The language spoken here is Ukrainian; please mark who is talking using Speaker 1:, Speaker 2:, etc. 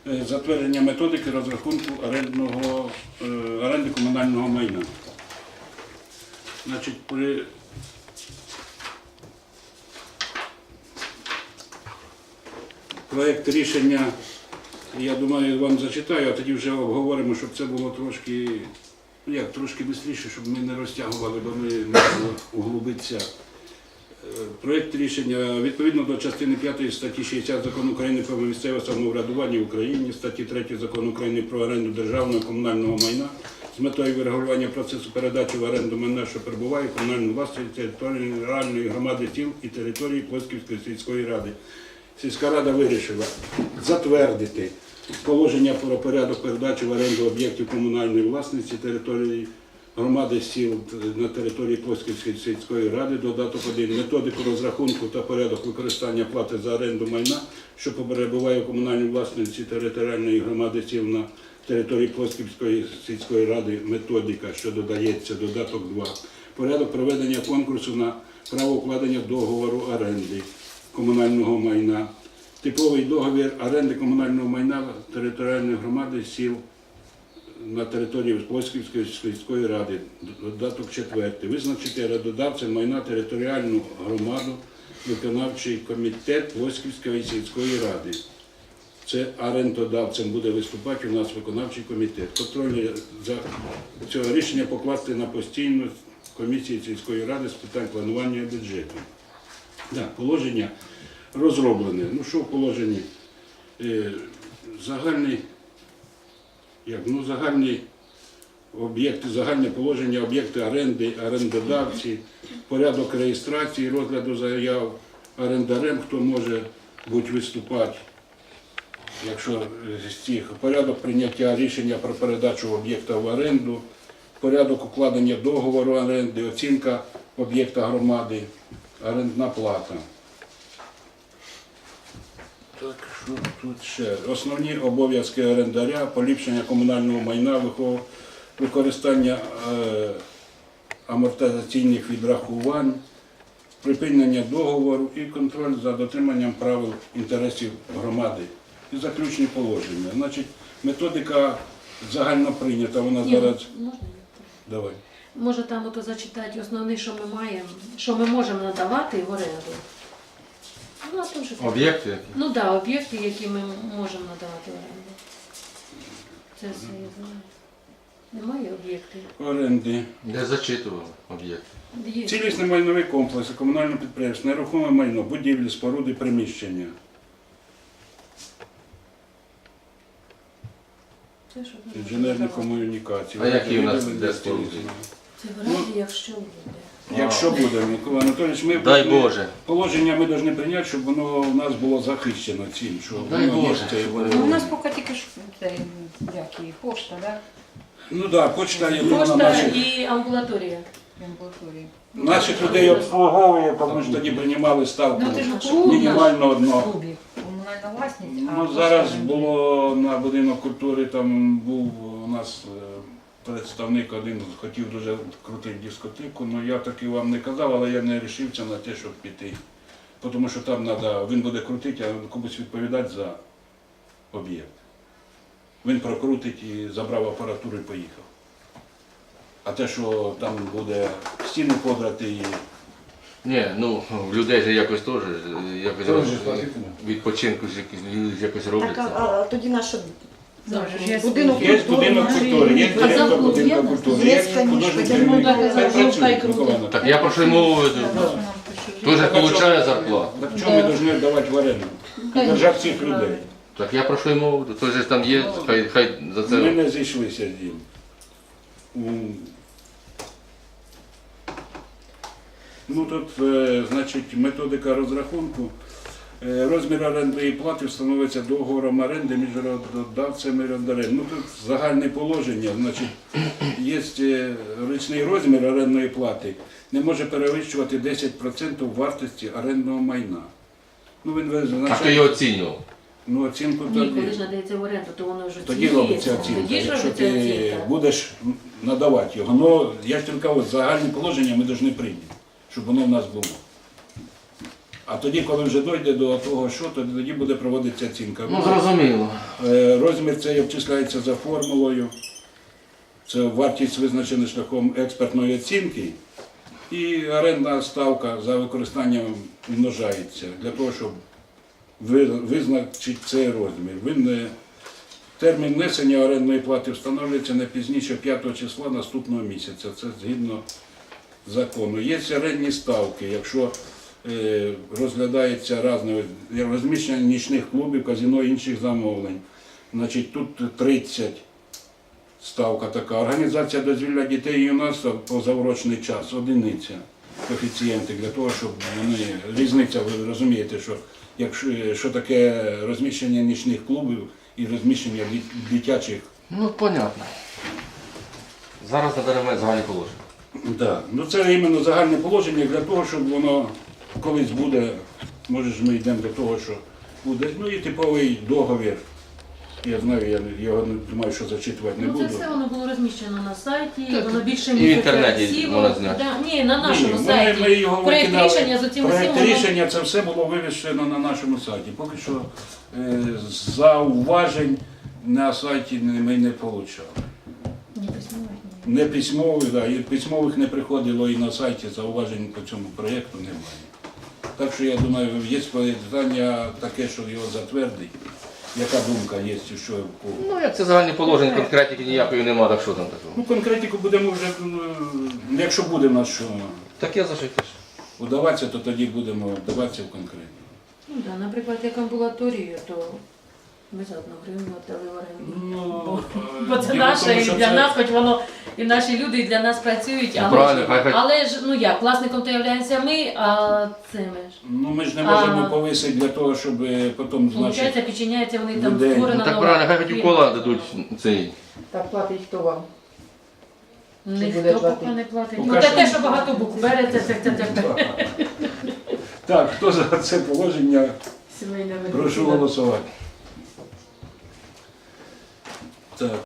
Speaker 1: затвердження методики розрахунку оренди комунального майна. Значить, проєкт рішення, я думаю, вам зачитаю, а тоді вже обговоримо, щоб це було трошки, трошки швидше, щоб ми не розтягували, бо ми можемо углубитися. Проєкт рішення відповідно до частини 5 статті 60 Закону України про місцеве самоврядування в Україні, статті 3 Закону України про оренду державного і комунального майна з метою врегулювання процесу передачі в оренду майна, що перебуває в комунальній власності територіальної громади сіл і території Плосківської сільської ради. Сільська рада вирішила затвердити положення про порядок передачі в оренду об'єктів комунальної власності території громади сіл на території Плосківської сільської ради, додаток 1, методику розрахунку та порядок використання плати за оренду майна, що перебуває у комунальній власності територіальної громади сіл на території Плосківської сільської ради, методика, що додається, додаток 2, порядок проведення конкурсу на право укладення договору оренди комунального майна, типовий договір оренди комунального майна територіальної громади сіл на території Плосківської сільської ради, додаток 4. Визначити орендодавцем майна територіальну громаду, виконавчий комітет Плосківської сільської ради. Це орендодавцем буде виступати у нас виконавчий комітет. Контроль за цього рішення покласти на постійну комісію сільської ради з питань планування бюджету. Так, положення розроблене. Ну що в положенні? Загальні об'єкти, загальне положення, об'єкти оренди, орендодавці, порядок реєстрації, розгляду заяв орендарем, хто може бути виступати, якщо з цих, порядок прийняття рішення про передачу об'єкта в оренду, порядок укладення договору оренди, оцінка об'єкта громади, орендна плата. Так, що тут ще? Основні обов'язки орендаря, поліпшення комунального майна, використання амортизаційних відрахувань, припинення договору і контроль за дотриманням правил інтересів громади. І заключні положення. Значить, методика загально прийнята, вона зараз...
Speaker 2: Можна?
Speaker 1: Давай.
Speaker 2: Може там ото зачитати основне, що ми маємо, що ми можемо надавати в оренду. Ну, а то вже так.
Speaker 3: Об'єкти які?
Speaker 2: Ну так, да, об'єкти, які ми можемо надавати в оренду. Це все я знаю. Немає об'єктів.
Speaker 1: Оренди.
Speaker 3: Я зачитував об'єкти.
Speaker 2: Є.
Speaker 1: Цілісний майновий комплекс, комунальне підприємство, нерухоме майно, будівлі, споруди, приміщення.
Speaker 2: Це що ми
Speaker 1: Інженерні
Speaker 2: можемо надавати.
Speaker 1: комунікації.
Speaker 3: А які у нас
Speaker 1: Виділення
Speaker 3: де споруди?
Speaker 2: Це в оренді, якщо буде.
Speaker 1: Якщо буде, Микола Анатолійович, ми
Speaker 3: Дай
Speaker 1: повинні-
Speaker 3: Боже.
Speaker 1: положення ми повинні прийняти, щоб воно у нас було захищено цим, що
Speaker 3: Дай
Speaker 1: воно є
Speaker 3: Боже.
Speaker 1: це, і воно-
Speaker 4: Ну, у нас поки тільки ж як і пошта, да?
Speaker 1: Ну так, почта є на
Speaker 2: Пошта
Speaker 1: наших.
Speaker 2: і амбулаторія.
Speaker 4: В амбулаторії.
Speaker 1: Наших людей обслуговує, тому що тоді приймали ставку
Speaker 4: Ну, ти ж клуб
Speaker 1: мінімально одно.
Speaker 4: клубі. Комунальна власність, а
Speaker 1: Ну,
Speaker 4: пошта
Speaker 1: зараз
Speaker 4: оренда.
Speaker 1: було на будинок культури, там був у нас представник один, хотів дуже крутити дискотеку, але я таки вам не казав, але я не вирішився на те, щоб піти. Тому що там треба, він буде крутити, а комусь відповідати за об'єкт. Він прокрутить і забрав апаратуру і поїхав. А те, що там буде стіни подрати і...
Speaker 3: Ні, ну в людей же якось теж
Speaker 1: Теж платитиме.
Speaker 3: відпочинку якось роблять.
Speaker 5: Так, а тоді наше
Speaker 2: Завжди ж є
Speaker 5: будинок
Speaker 1: Є
Speaker 5: культури,
Speaker 1: будинок культури, є
Speaker 2: А
Speaker 1: директор
Speaker 2: завод
Speaker 1: будинку
Speaker 2: є?
Speaker 1: культури,
Speaker 5: Є,
Speaker 1: є
Speaker 5: конечно.
Speaker 1: художник
Speaker 5: Ну,
Speaker 1: керівник.
Speaker 2: так,
Speaker 1: Хай
Speaker 2: завод
Speaker 1: працює,
Speaker 2: хай крутить.
Speaker 1: Микола Анатолійович.
Speaker 3: Так я про що й мову веду. Теж отримує зарплату.
Speaker 1: Так чому ми повинні давати в оренду? Держати цих людей.
Speaker 3: Так я про що й мову веду. Той же ж там є, хай за
Speaker 1: Ми
Speaker 3: це.
Speaker 1: не зійшлися з ним. Ну тут, значить, методика розрахунку. Розмір орендної плати встановиться договором оренди між орендодавцем і орендарем. Ну тут загальне положення, значить, є річний розмір орендної плати, не може перевищувати 10% вартості орендного майна. Ну він
Speaker 3: А хто
Speaker 1: визначає,
Speaker 3: його оцінював?
Speaker 1: ну оцінку
Speaker 2: Ні, коли
Speaker 1: тоді.
Speaker 2: ж надається в оренду, то воно вже
Speaker 1: Тоді
Speaker 2: оцінюється.
Speaker 1: робиться оцінка,
Speaker 2: Тоді ж
Speaker 1: якщо
Speaker 2: робиться
Speaker 1: ти
Speaker 2: оцінка.
Speaker 1: будеш надавати його. Ну, я ж тільки кажу, загальне положення ми повинні прийняти, щоб воно в нас було. А тоді, коли вже дійде до того, що, то тоді буде проводитися оцінка.
Speaker 3: Ну, зрозуміло.
Speaker 1: Розмір цей обчисляється за формулою. Це вартість визначена шляхом експертної оцінки. І орендна ставка за використанням множається для того, щоб визначити цей розмір. Термін внесення орендної плати встановлюється не пізніше 5 числа наступного місяця. Це згідно закону. Є орендні ставки, якщо розглядається розміщення нічних клубів, казино і інших замовлень. Значить, тут 30 ставка така. Організація дозвілля дітей і юнацтва позаурочний час, одиниця, коефіцієнти для того, щоб вони, різниця, ви розумієте, що таке розміщення нічних клубів і розміщення дитячих.
Speaker 3: Ну, понятно. Зараз надаємо загальні положення.
Speaker 1: Да. Ну це іменно загальне положення для того, щоб воно колись буде, може ж ми йдемо до того, що буде, ну і типовий договір. Я знаю, я його не думаю, що зачитувати не
Speaker 2: Ну,
Speaker 1: буду.
Speaker 2: це все воно було розміщено на сайті,
Speaker 3: Так,
Speaker 2: воно більше
Speaker 3: і в
Speaker 2: місяця
Speaker 3: інтернеті
Speaker 2: сіло.
Speaker 3: можна зняти.
Speaker 2: Да, ні, на нашому
Speaker 1: Ні,
Speaker 2: сайті.
Speaker 1: ми його
Speaker 2: Проект
Speaker 1: викидали.
Speaker 2: рішення з оцим
Speaker 1: Проект
Speaker 2: усім, воно-
Speaker 1: рішення це все було вивішено на нашому сайті. Поки що зауважень на сайті ми не отримали.
Speaker 2: Ні, письмових ні.
Speaker 1: Не письмових, да, і письмових не приходило і на сайті зауважень по цьому проєкту немає. Так що я думаю, є питання таке, що його затвердить. Яка думка є, що в кого?
Speaker 3: Ну, як це загальні положення, конкретики ніякої нема, так що там такого?
Speaker 1: Ну, конкретику будемо вже, якщо буде в нас що
Speaker 3: Так я за що й теж.
Speaker 1: удаватися, то тоді будемо вдаватися в конкретику.
Speaker 2: Ну, да, наприклад, як амбулаторію, то ми за 1 гривню віддали в оренду.
Speaker 1: Ну,
Speaker 2: Бо це
Speaker 1: діло в
Speaker 2: наше,
Speaker 1: тому,
Speaker 2: і
Speaker 1: що
Speaker 2: для
Speaker 1: це-
Speaker 2: нас, хоч воно, і наші люди, і для нас працюють,
Speaker 3: Ну,
Speaker 2: але,
Speaker 3: правильно, хай-
Speaker 2: але ж, ну як, власником то являємося ми, а цими ж.
Speaker 1: Ну, ми ж не можемо
Speaker 2: А.
Speaker 1: повисити для того, щоб потім, значить,
Speaker 2: Получається, підчиняється, вони там
Speaker 1: людей.
Speaker 2: створена
Speaker 3: Ну, так
Speaker 2: нова
Speaker 3: правильно, хай хоч
Speaker 2: фірма.
Speaker 3: кола дадуть цей.
Speaker 5: Так платить хто вам? буде
Speaker 2: Ніхто поки
Speaker 5: платити?
Speaker 2: не платить.
Speaker 1: Ну,
Speaker 2: Ну,
Speaker 1: каже,
Speaker 2: таке, що багато букв береться, це.
Speaker 1: Так, хто за це положення,
Speaker 5: Сімейне
Speaker 1: прошу голосувати. Так.